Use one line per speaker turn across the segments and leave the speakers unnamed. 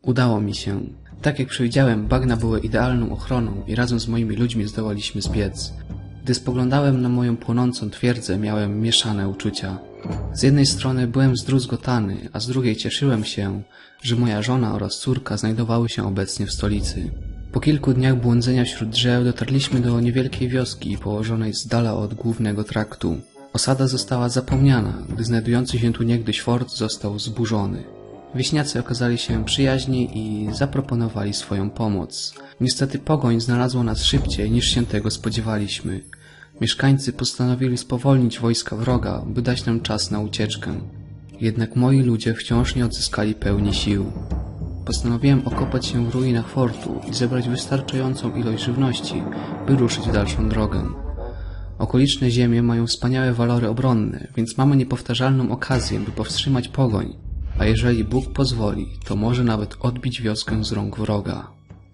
Udało mi się. Tak jak przewidziałem, bagna były idealną ochroną i razem z moimi ludźmi zdołaliśmy zbiec. Gdy spoglądałem na moją płonącą twierdzę, miałem mieszane uczucia. Z jednej strony byłem zdruzgotany, a z drugiej cieszyłem się, że moja żona oraz córka znajdowały się obecnie w stolicy. Po kilku dniach błądzenia wśród drzew dotarliśmy do niewielkiej wioski położonej z dala od głównego traktu. Osada została zapomniana, gdy znajdujący się tu niegdyś fort został zburzony. Wieśniacy okazali się przyjaźni i zaproponowali swoją pomoc. Niestety pogoń znalazła nas szybciej niż się tego spodziewaliśmy. Mieszkańcy postanowili spowolnić wojska wroga, by dać nam czas na ucieczkę. Jednak moi ludzie wciąż nie odzyskali pełni sił. Postanowiłem okopać się w ruinach fortu i zebrać wystarczającą ilość żywności, by ruszyć w dalszą drogę. Okoliczne ziemie mają wspaniałe walory obronne, więc mamy niepowtarzalną okazję, by powstrzymać pogoń. A jeżeli Bóg pozwoli, to może nawet odbić wioskę z rąk wroga.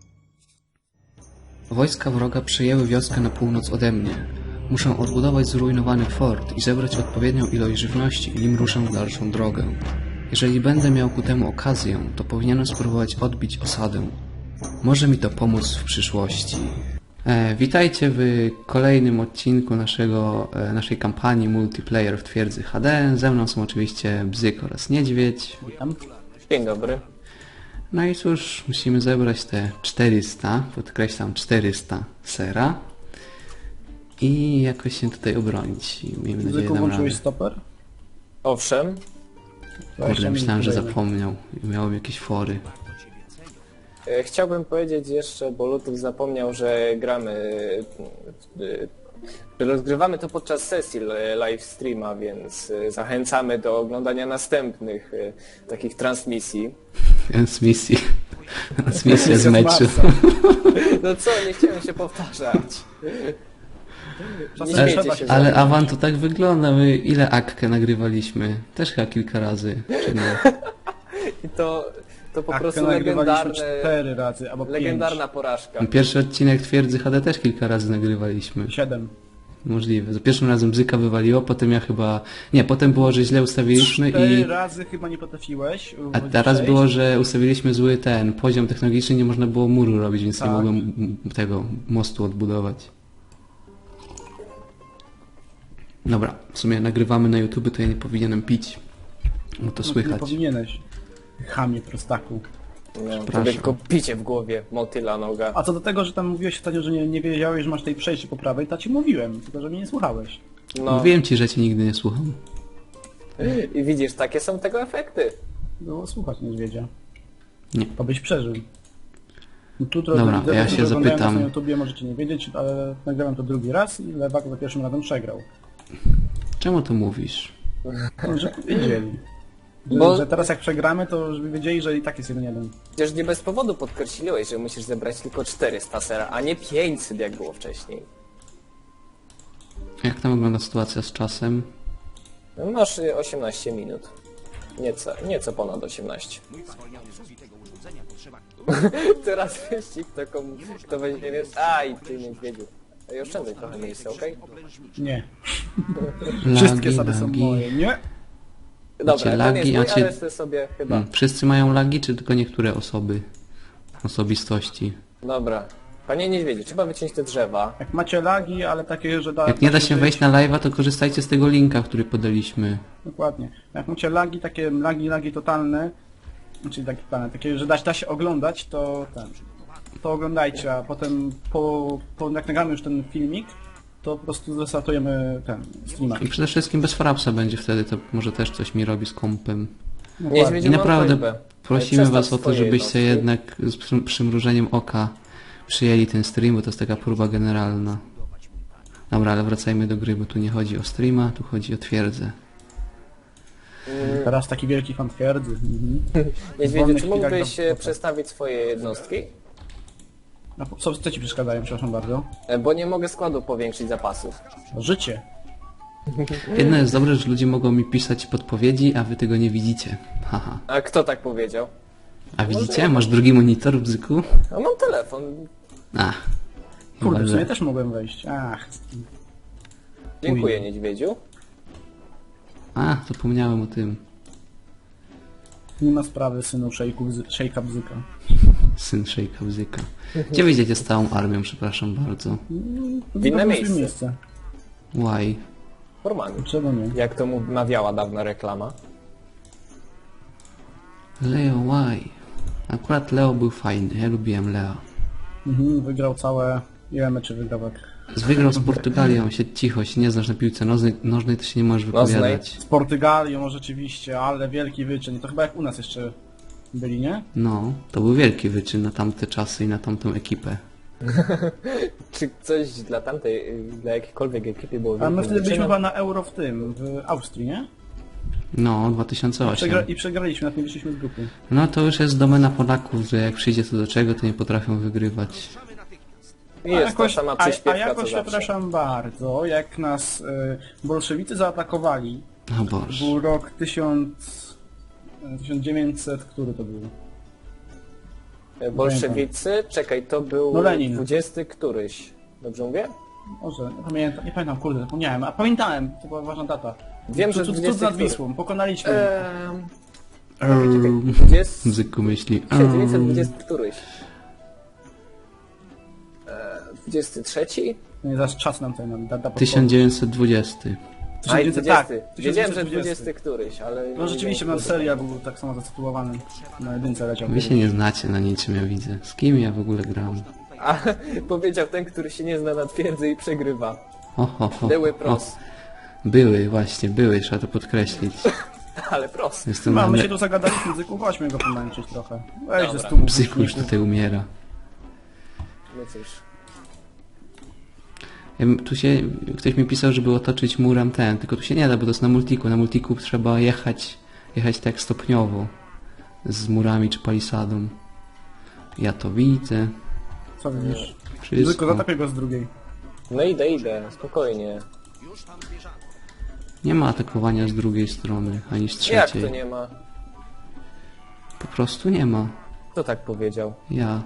Wojska wroga przejęły wioskę na północ ode mnie. Muszę odbudować zrujnowany fort i zebrać odpowiednią ilość żywności, nim ruszę w dalszą drogę. Jeżeli będę miał ku temu okazję, to powinienem spróbować odbić osadę. Może mi to pomóc w przyszłości. Witajcie w kolejnym odcinku naszej kampanii multiplayer w twierdzy HD. Ze mną są oczywiście Bzyk oraz Niedźwiedź.
Witam.
Dzień dobry.
No i cóż, musimy zebrać te 400, podkreślam 400 sera i jakoś się tutaj obronić. Miejmy nadzieję,
Bzyku,
dam
włączyłeś
radę.
stoper?
Owszem,
Kurde, myślałem, że zapomniał i miałem jakieś fory.
chciałbym powiedzieć jeszcze, bo Lutów zapomniał, że że rozgrywamy to podczas sesji live streama, więc zachęcamy do oglądania następnych takich transmisji.
Transmisja z meczu.
No co, nie chciałem się powtarzać. Nie
Ale-
śmiejcie się
Ale
ze mnie.
Awan to tak wygląda, my ile akkę nagrywaliśmy? Też chyba kilka razy, czy nie?
I to po prostu
nagrywaliśmy 4 razy, albo 5.
legendarna porażka.
Pierwszy odcinek twierdzy HD też kilka razy nagrywaliśmy.
7.
Możliwe. Za pierwszym razem Bzyka wywaliło, potem ja chyba... Nie, potem było, że źle ustawiliśmy
4 razy chyba nie potrafiłeś.
A teraz było, że ustawiliśmy zły poziom technologiczny, nie można było muru robić, więc nie
Tak.
mogłem tego mostu odbudować. Dobra, w sumie nagrywamy na YouTube, to ja nie powinienem pić, bo to
Nie
słychać.
powinieneś. Chamie, prostaku.
No, tobie tylko picie w głowie, motyla noga.
A co do tego, że tam mówiłeś ostatnio, że nie wiedziałeś, że masz tej przejście po prawej, to ci mówiłem, tylko że mnie nie słuchałeś.
No
Mówiłem ci, że cię nigdy nie słucham.
i widzisz, takie są tego efekty.
Było słuchać niedźwiedzia.
Nie.
To byś przeżył. No, tu
Dobra,
widzę,
ja
że
się
oglądają
zapytam.
nas na YouTubie, możecie nie wiedzieć, ale nagrałem to drugi raz i Lewak za pierwszym razem przegrał.
Czemu to mówisz?
No, że wiedzieli.
Bo-
Że teraz jak przegramy, to żeby wiedzieli, że i tak jest 1-1.
Przecież nie bez powodu podkreśliłeś, że musisz zebrać tylko 400 sera, a nie 500 jak było wcześniej.
Jak tam wygląda sytuacja z czasem?
No, masz 18 minut. Nieco ponad 18. Teraz wyścig to kto weźmie miejsce. Aj, ty niedźwiedziu. Ej, oszczędzaj trochę miejsca, okej?
Nie. Wszystkie sady są
lagi.
moje, nie?
Dobra, ten
lagi,
jest mój,
a cię-
ale ty sobie chyba...
Wszyscy mają lagi, czy tylko niektóre osoby? Osobistości?
Dobra. Panie niedźwiedziu, trzeba wyciąć te drzewa.
Jak macie lagi, ale takie, że
Jak nie da się wejść na live'a, to korzystajcie z tego linka, który podaliśmy.
Dokładnie. Jak macie lagi, takie lagi totalne, czyli takie, że da się oglądać, to to oglądajcie, a potem jak nagramy już ten filmik, to po prostu zrestartujemy streama.
I przede wszystkim bez frapsa będzie wtedy, to może też coś mi robi z kompem.
Niedźwiedziu,
I
mam
naprawdę
prośbę.
prosimy
Przestaw
was o to,
swoje
żebyście
jednostki.
jednak z przymrużeniem oka przyjęli ten stream, bo to jest taka próba generalna. Dobra, ale wracajmy do gry, bo tu nie chodzi o streama, tu chodzi o twierdzę.
Teraz taki wielki fan twierdzy.
Niedźwiedziu,
wolnych
czy
chwilach
mógłbyś
do-
przestawić swoje jednostki?
A co ci przeszkadzają, przepraszam bardzo?
Bo nie mogę składu powiększyć zapasów.
Życie.
Jedno jest dobre, że ludzie mogą mi pisać podpowiedzi, a wy tego nie widzicie. Haha.
A kto tak powiedział?
A widzicie? Masz drugi monitor, Bzyku?
A mam telefon.
A.
Kurde,
chyba,
w sumie
że-
też mogłem wejść. Ach.
Dziękuję, niedźwiedziu.
A, zapomniałem o tym.
Nie ma sprawy, synu szejka bzyka.
Syn Szejka Bzyka. Gdzie wyjdziecie z całą armią, przepraszam bardzo?
W inne
Dobrze
miejsce.
Why?
Normalnie.
Czego nie?
Jak to mawiała dawna reklama.
Leo, why? Akurat Leo był fajny, ja lubiłem Leo.
Wygrał całe... Ile meczy wygrał?
Wygrał z Portugalią, siedź cicho, się nie znasz na piłce nożnej, to się nie możesz wypowiadać.
Z Portugalią rzeczywiście, ale wielki wyczyn. To chyba jak u nas jeszcze byli, nie?
No, to był wielki wyczyn na tamte czasy i na tamtą ekipę.
Czy coś dla dla jakiejkolwiek ekipy było
A my
wielkim
wtedy byliśmy
wyczynem?
chyba na Euro w Austrii, nie?
No, 2008.
I przegraliśmy, nawet nie wyszliśmy z grupy.
No to już jest domena Polaków, że jak przyjdzie to do czego, to nie potrafią wygrywać.
I jest ta sama
a
przyśpiewka
jakoś,
co zawsze.
przepraszam bardzo, jak nas bolszewicy zaatakowali,
O Boże.
był rok 1900, który to był?
Bolszewicy, czekaj, to był
No Lenin.
20 któryś. Dobrze mówię?
Może, nie pamiętam, kurde, zapomniałem. A pamiętałem, to była ważna data.
Wiem, że
Cud
20
nad Wisłą, pokonaliśmy.
Czekaj, 20...
Bzyku myśli.
1920 któryś. 23?
Nie, zaraz czas nam ten data podpowiedź.
1920.
A i 20.
Tak,
Wiedziałem, że
1920.
20 któryś, ale...
No rzeczywiście, nasz serial był tak samo zatytułowany. Na jedynce leciał.
Wy się nie znacie na niczym, ja widzę. Z kim ja w ogóle gram?
A powiedział ten, który się nie zna na twierdzy i przegrywa.
Ho.
Były pros.
Były, właśnie, były, trzeba to podkreślić.
Ale pros.
Jestem
My
na
się tu zagadaliśmy, Zyku, chodźmy go pomęczyć trochę. Weź ze
Dobra.
stół.
Bzyku już tutaj umiera.
No cóż.
Tu się, ktoś mi pisał, żeby otoczyć murem ten, tylko tu się nie da, bo to jest na multiku. Na multiku trzeba jechać tak stopniowo. Z murami czy palisadą. Ja to widzę.
Co widzisz? Zyku,
Wszystko.
zatapię go z drugiej.
No idę, spokojnie.
Nie ma atakowania z drugiej strony, ani z
Jak
trzeciej.
to nie ma?
Po prostu nie ma.
Kto tak powiedział?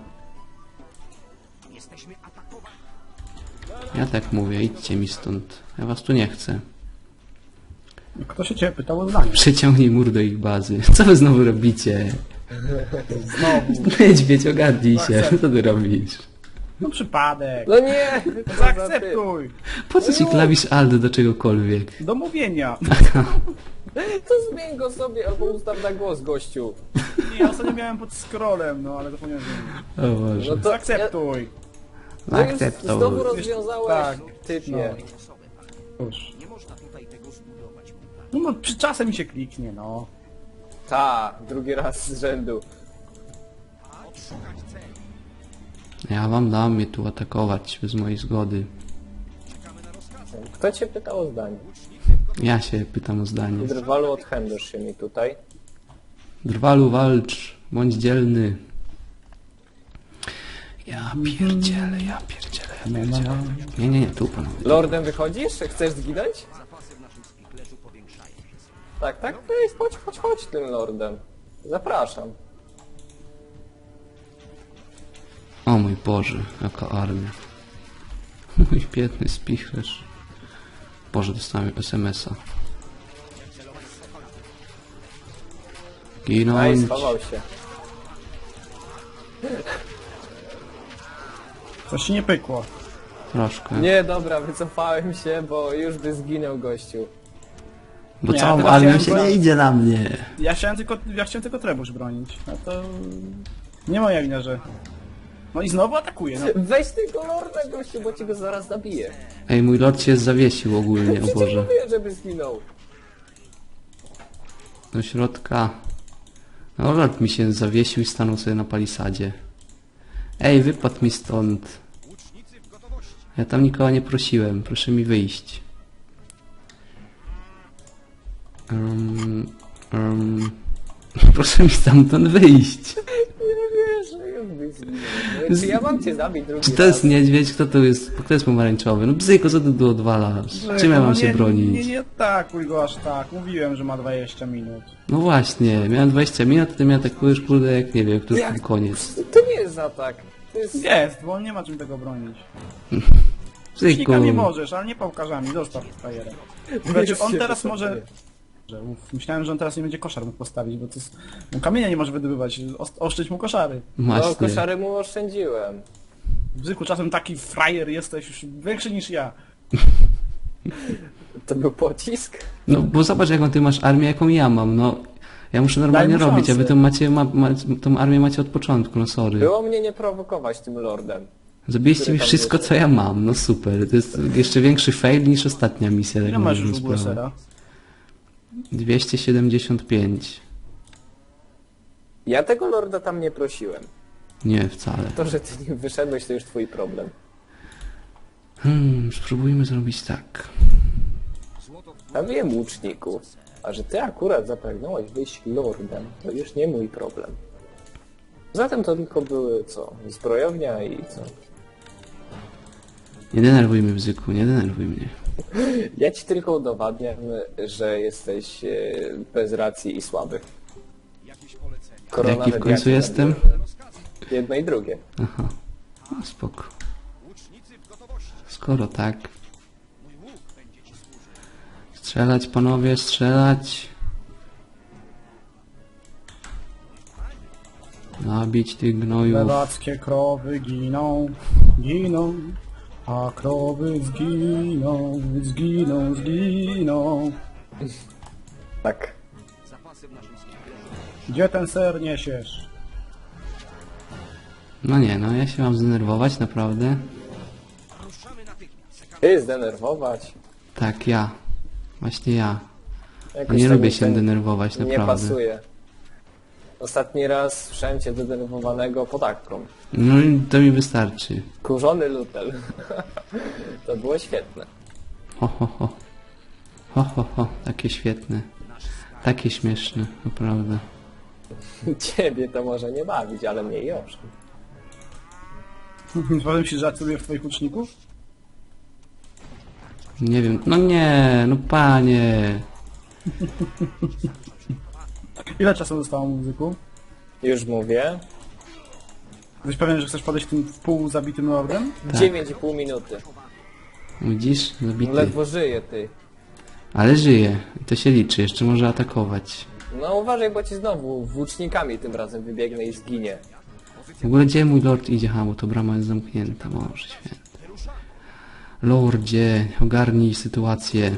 Ja tak mówię, idźcie mi stąd. Ja was tu nie chcę.
Kto się ciebie pytał o zdanie?
Przeciągnij mur do ich bazy. Co wy znowu robicie?
Znowu.
Niedźwiedź, ogarnij się. Co ty robisz?
No przypadek.
No nie!
Zaakceptuj.
Po co ci klawisz Alt do czegokolwiek?
Do mówienia.
To zmień go sobie albo ustaw na głos, gościu.
Nie, ja ostatnio miałem pod scrollem, no ale zapomniałem.
O Boże.
No to
Zaakceptuj.
No już
Akceptuj.
znowu rozwiązałeś,
Tak.
typie.
Już. No przy czasem mi się kliknie, no.
Ta, drugi raz z rzędu.
Ja wam dam mnie tu atakować bez mojej zgody.
Kto cię pytał o zdanie?
Ja się pytam o zdanie.
Drwalu, odchędasz się mi tutaj.
Drwalu, walcz. Bądź dzielny. Ja pierdzielę. Nie, tu panowie.
Lordem wychodzisz? Chcesz zginąć? Tak, chodź tym lordem. Zapraszam.
O mój Boże, jaka armia. Mój biedny spichlerz. Boże, dostałem SMS-a.
No i
Ginąć.
schował się.
Coś się nie pykło.
Troszkę.
Nie, dobra, wycofałem się, bo już by zginął gościu.
Bo
Nie,
całą
teraz
armią
chciałem
się
go-
nie idzie na mnie.
Ja chciałem tylko trebusz bronić. No to... Nie moja wina, że... No i znowu atakuje, no.
Weź tego lorda, gościu, bo ci go zaraz zabiję.
Ej, mój lord się zawiesił ogólnie, o
Przecież
Boże.
mówiłem, żeby zginął.
Do środka. No lord mi się zawiesił i stanął sobie na palisadzie. Ej, wypadł mi stąd. Ja tam nikogo nie prosiłem, proszę mi wyjść. Proszę mi stamtąd wyjść.
Nie wierzę, jakby zginął. Czy ja mam cię zabić drugi
Czy to
raz?
jest niedźwiedź? Kto to jest? Kto jest pomarańczowy? No bzyko, co ty tu odwalasz? Czym ja mam się bronić?
Nie atakuj go aż tak. Mówiłem, że ma 20 minut.
No właśnie, miałem 20 minut, a ty mnie atakujesz, kurde, jak nie wiem, który
Jak?
koniec.
To nie jest atak. To jest...
Jest, bo on nie ma czym tego bronić.
Bzyku.
Śnikami możesz, ale nie pałkarzami. Zostaw frajerę. Znaczy, on
się
teraz
wycofuje.
może... Myślałem, że on teraz nie będzie koszar mógł postawić, bo to jest... No, kamienia nie może wydobywać, oszczędź mu koszary.
No,
Właśnie.
koszary mu oszczędziłem.
Bzyku, czasem taki frajer jesteś już większy niż ja.
To był pocisk?
No bo zobacz jaką ty masz armię, jaką ja mam, no. Ja muszę normalnie
Daj mu
robić, a wy
szansę.
tą tą armię macie od początku, no sorry.
Było mnie nie prowokować tym lordem.
Zabiliście
który
mi
tam
wszystko
jest.
co ja mam, no super. To jest jeszcze większy fail niż ostatnia misja.
Ile
tak
masz
możemy
już w ogóle
sprawę.
sera?
275.
Ja tego lorda tam nie prosiłem.
Nie, wcale.
To, że ty nim wyszedłeś, to już twój problem.
Spróbujmy zrobić tak.
Ja wiem łuczników. A że ty akurat zapragnąłeś wyjść lordem, to już nie mój problem. Zatem to tylko były co? Zbrojownia i co?
Nie denerwuj mnie, Bzyku, nie denerwuj mnie.
Ja ci tylko udowadniam, że jesteś bez racji i słaby.
Jaki w końcu jestem?
Jedno i drugie.
Aha, no, spoko. Skoro tak. Strzelać, panowie, strzelać. Nabić tych gnojów.
Lewackie krowy giną, giną, a krowy zginą, zginą, zginą.
Tak.
Gdzie ten ser niesiesz?
No nie, no ja się mam zdenerwować, naprawdę.
Ty zdenerwować.
Tak, ja. Właśnie ja.
Jakoś
Nie
tak
lubię
mi
się
ten
denerwować,
Nie
naprawdę.
pasuje. Ostatni raz słyszałem cię zdenerwowanego podatką.
No i to mi wystarczy.
Kurzony lutel. To było świetne.
Ho, ho, ho. Ho, ho, ho. Takie świetne. Takie śmieszne, naprawdę.
Ciebie to może nie bawić, ale mnie już.
Potem się żartuje w twoich uczników?
Nie wiem, no nie, no panie.
Ile czasu zostało muzyku?
Już mówię.
Jesteś pewien, że chcesz podejść tym w pół zabitym lordem?
Tak.
9,5 minuty.
Widzisz? Zabity.
Ledwo żyje ty.
Ale żyje. To się liczy, jeszcze może atakować.
No uważaj, bo ci znowu włócznikami tym razem wybiegnę i zginie.
W ogóle gdzie mój lord idzie? Ha, bo to brama jest zamknięta, Boże święty. Lordzie, ogarnij sytuację.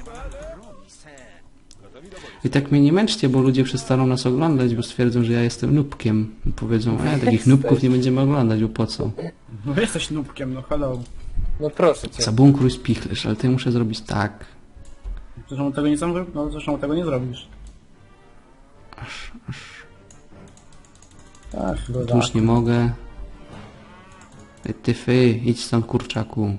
I tak mnie nie męczcie, bo ludzie przestaną nas oglądać, bo stwierdzą, że ja jestem nubkiem. Powiedzą, takich nubków nie będziemy oglądać, bo po co?
No jesteś nubkiem, no hello.
No proszę cię.
Zabunkruj spichlerz, ale to ja muszę zrobić tak.
Zresztą tego nie sam, no zresztą tego nie zrobisz. Tak,
Tu już nie mogę. Ty, idź stąd, kurczaku.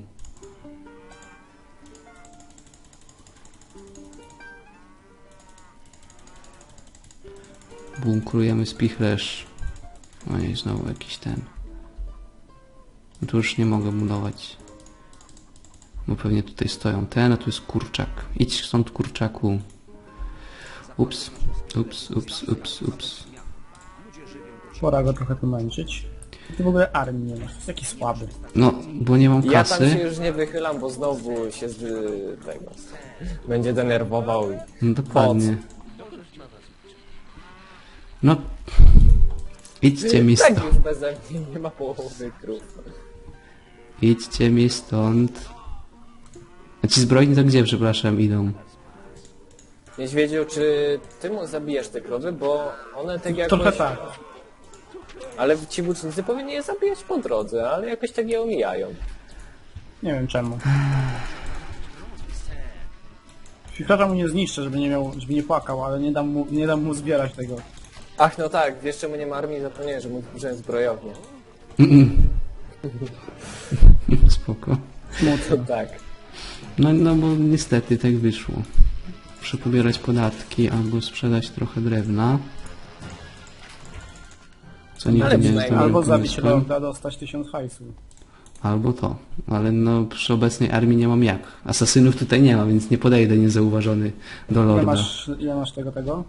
Bunkrujemy spichlerz. Ojej, znowu jakiś ten. No tu już nie mogę budować. Bo pewnie tutaj stoją ten, a tu jest kurczak. Idź stąd, kurczaku. Ups, ups, ups, ups, ups.
Pora go trochę pomęczyć. Ty w ogóle armii nie masz, jest taki słaby.
No, bo nie mam
Ja tam się
kasy.
już nie wychylam, bo znowu się z tego będzie denerwował i...
No dokładnie. No, idźcie mi
Tak
stąd.
już beze mnie nie ma połowy krów.
Idźcie mi stąd. A ci zbrojni to gdzie, przepraszam, idą?
Niedźwiedziu, czy ty mu zabijasz te krowy, bo one tak jakoś...
Trochę tak.
Ale ci włócznicy powinni je zabijać po drodze, ale jakoś tak je omijają.
Nie wiem czemu. Chwilkarza mu nie zniszczę, żeby nie płakał, ale nie dam mu zbierać tego.
Ach, no tak, wiesz czemu nie ma armii? Zapomniałem, że mu wziąłem zbrojownię.
Spoko.
Smutno.
Tak.
No bo niestety tak wyszło. Muszę pobierać podatki albo sprzedać trochę drewna. Co nigdy
Ale
nie jest
przynajmniej-
dobrym
Albo zabić
pomysłem.
lorda, dostać 1000 hajsu.
Albo to. Ale no przy obecnej armii nie mam jak. Asasynów tutaj nie ma, więc nie podejdę niezauważony do lorda.
Ile masz tego?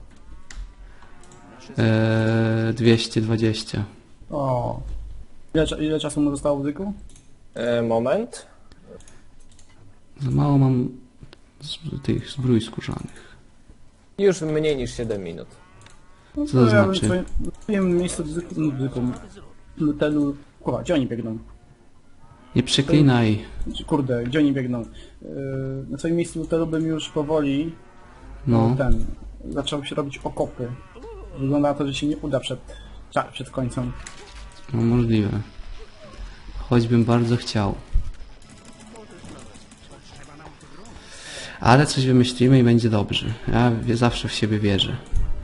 220.
O. Ile czasu mu zostało w dyku?
Moment.
Za mało mam tych zbrój skórzanych.
Już mniej niż 7 minut.
No,
Co to
ja bym
znaczy?
w swoim miejscu Lutelu... Kurwa, gdzie oni biegną?
Nie przeklinaj.
Kurde, gdzie oni biegną? Na swoim miejscu Lutelu bym już powoli
No.
zaczął się robić okopy. Wygląda na to, że się nie uda przed końcem.
No możliwe. Choćbym bardzo chciał. Ale coś wymyślimy i będzie dobrze. Ja zawsze w siebie wierzę.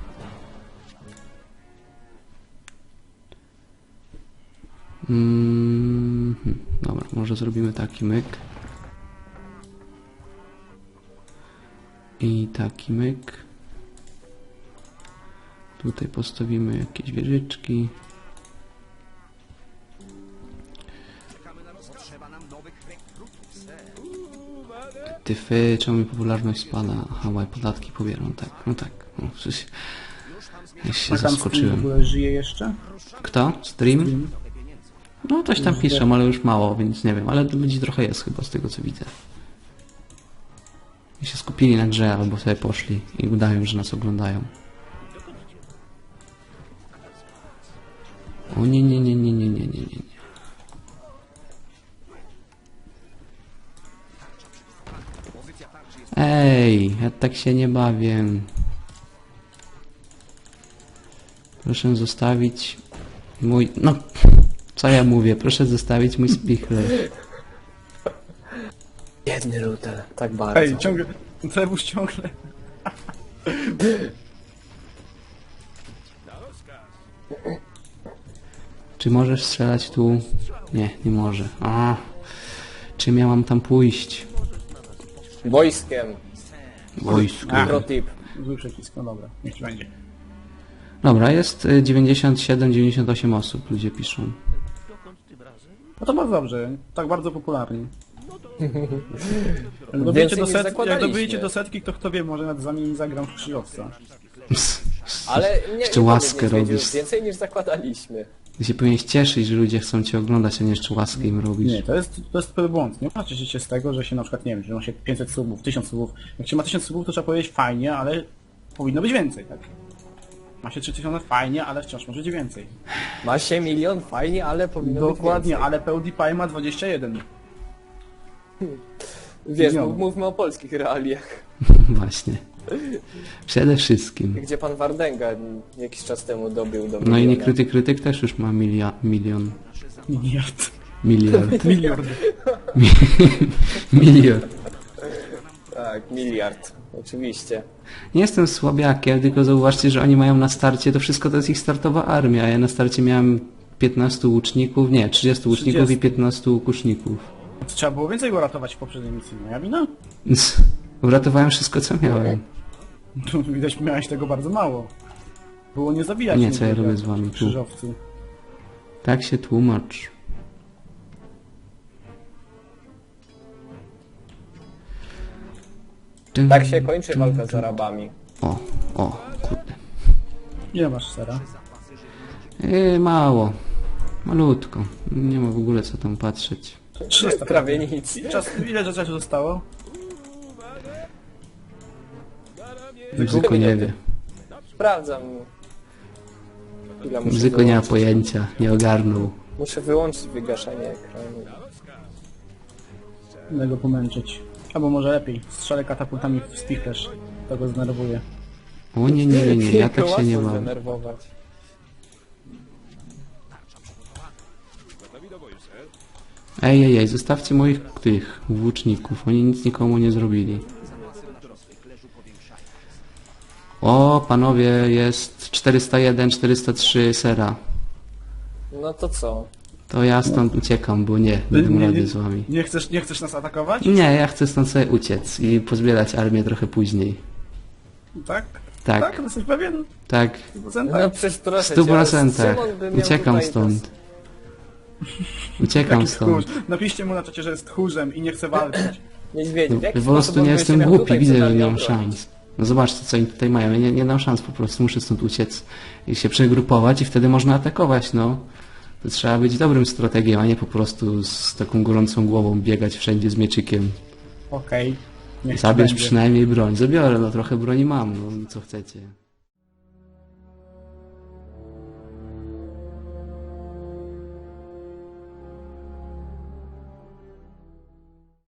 Dobra, może zrobimy taki myk. I taki myk. Tutaj postawimy jakieś wieżyczki. Tyfy, czemu mi popularność spada? Aha, bo ja podatki pobieram, tak. No tak. No, przecież... Ja się
A tam w
zaskoczyłem.
ogóle żyje jeszcze?
Kto? Stream? No coś tam piszą, ale już mało, więc nie wiem. Ale ludzi trochę jest chyba z tego co widzę. I się skupili na grze albo sobie poszli i udają, że nas oglądają. O nie, nie, nie, nie, nie, nie, nie, nie. Ej, ja tak się nie bawię. Proszę zostawić mój... No, co ja mówię? Proszę zostawić mój spichler.
Biedny Lutel, tak bardzo.
Ej, ciągle... Cebus ciągle...
Czy możesz strzelać tu? Nie, nie może. A, czym ja mam tam pójść?
Wojskiem.
Wojsko.
Pro tip.
Zły przycisk, no dobra, niech ci będzie.
Dobra, jest 97-98 osób, ludzie piszą.
No to bardzo dobrze, tak bardzo popularnie. Jak dobijecie do setki, to kto wie, może nawet za nimi zagram w krzyżowca.
Ale nie,
Jeszcze
nie
łaskę
powinien mieć
robisz.
już więcej niż zakładaliśmy.
Ty się powinieneś cieszyć, że ludzie chcą cię oglądać, a nie jeszcze łaskę im robisz.
Nie, to jest błąd. Nie patrzcie się z tego, że się na przykład, nie wiem, że ma się 500 subów, 1000 subów. Jak się ma 1000 subów, to trzeba powiedzieć fajnie, ale powinno być więcej, tak? Ma się 3000 fajnie, ale wciąż może być więcej.
Ma się 1 000 000, fajnie, ale powinno
Dokładnie,
być więcej.
ale PewDiePie ma 21.
Wiesz,
milionów.
mówmy o polskich realiach.
Właśnie. Przede wszystkim.
Gdzie pan Wardenga jakiś czas temu dobił do
No i
miliona.
niekryty krytyk też już ma milion.
Miliard.
Miliard.
Miliard.
Miliard.
Tak, miliard. Oczywiście.
Nie jestem słabiakiem, tylko zauważcie, że oni mają na starcie, to wszystko to jest ich startowa armia, a ja na starcie miałem 15 łuczników, nie, 30 łuczników
30.
i 15 łukuszników.
Trzeba było więcej go ratować w poprzedniej misji, moja wina?
Więc uratowałem wszystko, co miałem.
Widać, miałeś tego bardzo mało. Było nie zabijać
Nie, co ja
nikogo
robię z wami
w
tu?
krzyżowcu.
Tak się tłumacz.
Tak się kończy walka z Arabami.
O, kurde.
Ile masz sera?
Mało. Malutko. Nie ma w ogóle co tam patrzeć.
300.
Prawie nic.
Ile czasu zostało?
Bzyko nie wie.
Sprawdzam. Ile muszę
Bzyko nie ma
wyłączyć.
pojęcia, nie ogarnął.
Muszę wyłączyć wygaszanie ekranu.
Będę go pomęczyć. Albo może lepiej, strzelę katapultami w spichlerz. To go zdenerwuje.
O nie, nie, nie, nie, ja tak się
Łatwo
nie mam.
zdenerwować.
Ej, zostawcie moich tych włóczników, oni nic nikomu nie zrobili. O, panowie, jest 401, 403 sera.
No to co?
To ja stąd uciekam, bo nie dam rady z wami.
Nie chcesz nas atakować?
Nie, ja chcę stąd sobie uciec i pozbierać armię trochę później.
Tak?
Tak.
Tak? Jesteś pewien?
Tak,
100%?
No przecież
w
proszę
100%.
Szymon by miał
Uciekam
tutaj
stąd. Uciekam
Taki tchórz.
stąd.
Napiszcie mu na czacie, że jest tchórzem i nie chce walczyć.
Niedźwiedzi. W jaki
Po prostu
sposób on
nie
by się
jestem
miał
głupi,
tutaj
widzę,
przed
że
nami
nie mam
obronić?
szans. No zobaczcie, co oni tutaj mają. Ja nie dam szans po prostu, muszę stąd uciec i się przegrupować i wtedy można atakować, no. To trzeba być dobrym strategiem, a nie po prostu z taką gorącą głową biegać wszędzie z mieczykiem.
Okej. Niech ci
Zabierz
będzie.
przynajmniej broń. Zabiorę, no trochę broni mam, no co chcecie.